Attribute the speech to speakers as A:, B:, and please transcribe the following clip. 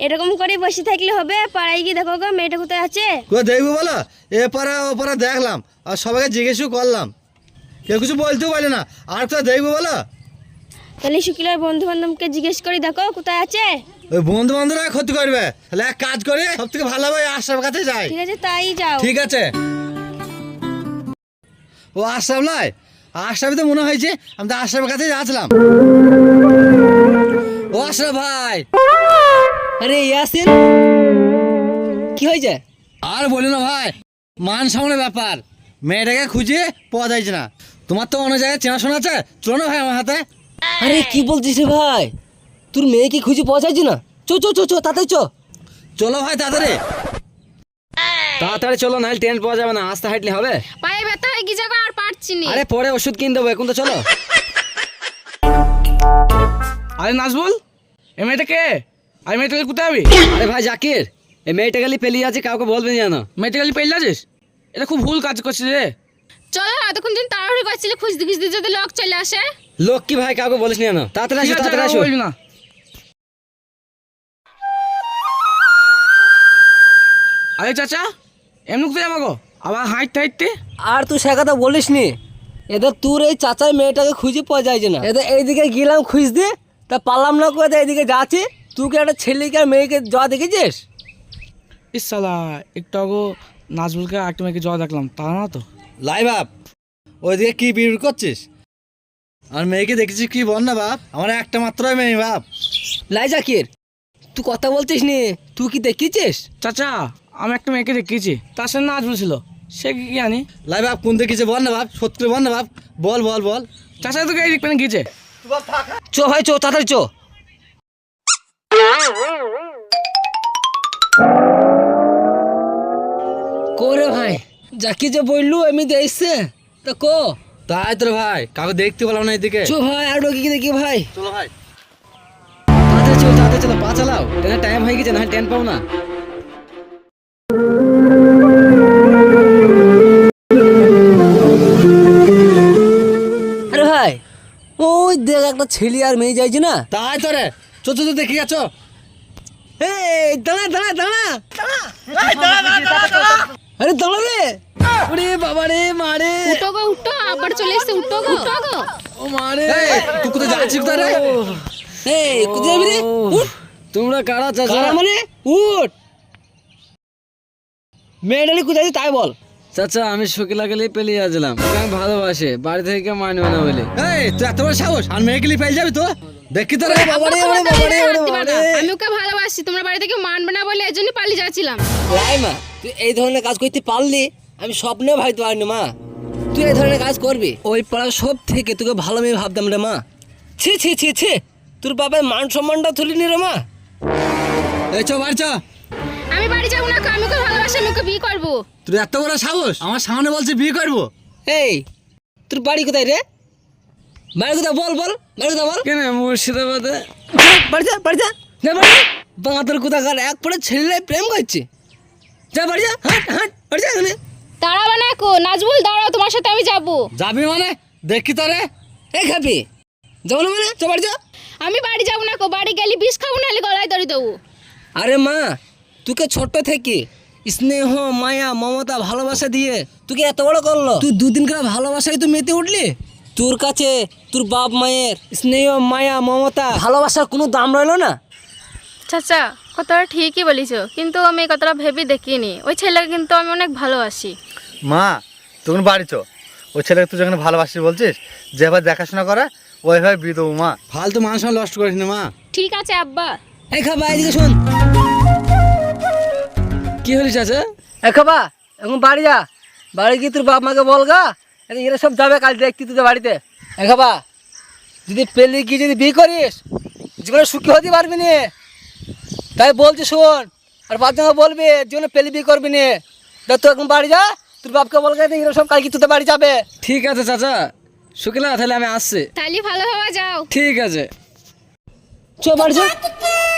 A: এরকম করে বসে থাকলে হবে? পাড়ায় গিয়ে দেখো গো মেয়েটা কোথায় আছে।
B: কোথায় দেখবো বলো? এ পাড়া ও পাড়া দেখলাম, আর সবাইকে জিজ্ঞেসও করলাম, কেউ কিছু বলতেও পারলে না। আর কোথায় দেখবো বলো?
A: তাহলে শুকিলার বন্ধু বান্ধবকে জিজ্ঞেস করি দেখো কোথায় আছে।
B: ওই বন্ধু বান্ধবরা ক্ষতি করবে, তাহলে এক কাজ করে সব থেকে ভালো হবে আশরাফের কাছে যাই।
A: ঠিক আছে তাই যাও।
B: ঠিক আছে। ও আশরাফ নয়, আশরাফই তো মনে হয়েছে, আমি তো আশরাফের কাছে যাচ্ছিলাম। ও আশরাফ ভাই।
C: আরে ইয়াসিন, কি হয়েছে?
B: আর বলি না ভাই, মান সামনে ব্যাপার, মেয়েটাকে খুঁজে পাওয়া যাচ্ছে না। তোমার তো অন্য জায়গায় চেনাশোনা আছে, চলো না ভাই আমার হাতে।
C: আরে কি বলছিস রে ভাই, তোর মেয়েকে খুঁজে পাওয়া যাচ্ছে না? চো চো চো চো তাড়াতাড়ি চো।
B: চলো ভাই তাড়াতাড়ি।
C: তাড়াতাড়ি চলো, নাহলে ট্রেন পাওয়া যাবে না, আস্তে হাঁটলে হবে।
A: পায়ে ব্যথা হয়ে গিয়ে যাবো আর পারছি না।
C: আরে পরে ওষুধ কিনে দেবো, এখন তো চলো।
D: আরে নাজবুল, এ মেয়েটা কে? আরে মেয়েটাকে কোথায় যাবি?
C: আরে ভাই জাকির, এই মেয়েটা গেলি পেলিয়ে আছে, কাউকে বলবে না জানো।
D: মেয়েটাকে পেয়ে যাচ্ছিস? এটা খুব ভুল কাজ করছিস রে।
A: চলো এতক্ষণ দিন তাড়াহুড়ো করছিলে, খুঁজতে খুঁজতে যদি লোক চলে আসে।
C: লোক কি ভাই, কাউকে বলিস না জানো। তাড়াতাড়ি আসো,
D: ঠিক আছে,
C: তাড়াতাড়ি
D: কাউকে
C: আসো।
D: বলবি না। আরে চাচা, এমনি কোথায় যাবো গো? আবার হাঁটতে হাঁটতে?
C: আর তুই সে কথা বলিস নি, এদের তোর এই চাচার মেয়েটাকে খুঁজে পাওয়া যাচ্ছে না। এদের এইদিকে গেলাম খুঁজতে, তা পারলাম না করে এইদিকে যাচ্ছি। তুই কি একটা ছেলেকে আর মেয়েকে যাওয়া দেখেছিস?
D: ইস শালা, একটু আগে নাজবুলকে একটা মেয়েকে জল দেখলাম, তা না তো?
B: লাই বাপ, ওইদিকে কি বিড় করছিস? আর মেয়েকে দেখেছিস কি বল না বাপ, আমার একটা মাত্রই মেয়ে বাপ।
C: লাই জাকির, তুই কথা বলছিস নি, তুই কি দেখেছিস?
D: চাচা, আমি একটা মেয়েকে দেখিয়েছি, তার সাথে নাজবুল ছিল, সে কি জানি।
B: লাই বাপ কোন দেখেছে বল না বাপ, সত্যি করে বল না বাপ, বল বল বল।
D: চাচা তোকে এই দিক পেনে গিয়েছে।
C: চো ভাই চো, তাড়াতাড়ি চো। কোরে ভাই, জাকি যে বললু এমনি দেখছে তা কো।
B: তাই তো রে ভাই, কাউকে দেখতে পেলাম না এদিকে।
C: চো ভাই, আর কি দেখি ভাই।
B: চলো ভাই।
C: তাড়াতাড়ি চলো, তাড়াতাড়ি চলো, পা চালাও, ট্রেনের টাইম হয়ে গেছে, না ট্রেন পাবো না। আরে ভাই, ওই দেখ একটা ছেলে আর মেয়ে যাইছে না।
B: তাই তো রে, চো চো চো দেখি আছো।
C: এই দাঁড়া দাঁড়া দাঁড়া, আরে দাঁড়া রে। ওরে বাবা রে, মারে।
A: উঠো গো উঠো, আবার চলে এসে উঠো গো উঠো গো।
C: ও মারে।
B: তুই কোথায় যাচ্ছিস কোথায় রে?
C: এই কোথায় যাবি রে? উঠ।
D: তোমরা কারা চাচা?
C: কারা মানে? উঠ। মেয়েটালি কোথায় আছে তাই বল।
D: চাচা, আমি শকিলা গেলেই পেলিয়ে আসলাম, আমি ভালোবাসে, বাড়ি থেকে মানবে না বলে।
B: এই তুই এত বড় সাহস, আর মেয়েকে নিয়ে পেয়ে যাবি তো? দেখি তো রে।
C: বাবারে, ওরে বাবারে, ওরে বাবারে।
A: আমি ওকে ভালোবাসি, তোমরা বাড়ি থেকে মানবে না বলে এজন্য পালিয়ে যাচ্ছিলাম।
C: লাই মা, তুই এই ধরনের কাজ করতে পারলি, আমি স্বপ্নেও ভাবতে পারিনি মা। তুই এই ধরনের কাজ করবি? ওই পাড়ার সব থেকে তোকে ভালো মেয়ে ভাবতাম রে মা। ছি ছি ছি ছি, তোর বাবার মান সম্মানটা তুলিনি রে মা।
B: এই চো বাড়ি চো।
A: আমি বাড়ি যাবো না, আমি ওকে ভালোবাসি, আমি ওকে বিয়ে করবো।
B: তুই এত বড় সাহস, আমার সামনে বলছে বিয়ে করবো?
C: এই তোর বাড়ি কোথায় রে? বাড়ি কোথায় বল বল, বাড়ি কোথায় বল।
D: কেন মুর্শিদাবাদে?
C: বাড়ি যা, বাড়ি যা, যা বাড়ি যা। বাঙাতের কোথাকার এক পরে ছেলে প্রেম করছে। যা বাড়ি যা, হাঁট হাঁট, বাড়ি যা এখানে।
A: দাঁড়াবে না কো নাজবুল, দাঁড়াও, তোমার সাথে আমি যাবো।
B: যাবি মানে? দেখি তো রে।
C: এই খাবি যাবো না মানে? চল বাড়ি যা।
A: আমি বাড়ি যাবো না কো, বাড়ি গেলে বিষ খাবো, নাহলে গলায় দড়ি দেবো।
C: আরে মা, তোকে ছোট্ট থেকে স্নেহ মায়া মমতা ভালোবাসা দিয়ে তোকে এত বড় করলো, তুই দুদিন করে ভালোবাসায় তুই মেতে উঠলি। তোর কাছে তোর বাপ মায়ের স্নেহ মায়া মমতা ভালোবাসার কোনো দাম রইলো না।
A: চাচা কথাটা ঠিকই বলিস, কিন্তু আমি এই কথাটা ভেবে দেখিনি। ওই ছেলেকে কিন্তু আমি অনেক ভালোবাসি।
B: মা তখন বাড়ি চো, ওই ছেলেকে তুই যখন ভালোবাসিস বলছিস, যেভাবে দেখাশোনা করে ওইভাবে বিয়ে দেবো মা। ফালতু মানুষ নষ্ট করিস না মা।
A: ঠিক আছে আব্বা।
C: এই খাবা এদিকে শোন।
D: কি হলি চাচা?
C: এই খাবা এখন বাড়ি যা, বাড়ি গিয়ে তোর বাপ মাকে বল গা, এরা সব যাবে কাল দেখতি তোদের বাড়িতে। এই খাবা, যদি পেলে গিয়ে যদি বিয়ে করিস জীবনে সুখী হতে পারবি না, তাই বলছি শোন। আর বাচ্চাকে বলবি জীবনে পেলে বিয়ে করবি না। দেখ তুই এখন বাড়ি যা, তোর বাপকে বল গা, এরা সব কালকে তোদের বাড়ি যাবে।
D: ঠিক আছে চাচা, শকিলা তাহলে আমি আসছি।
A: তাহলে ভালোভাবে যাও।
D: ঠিক আছে।
C: চ বাড়ি যা।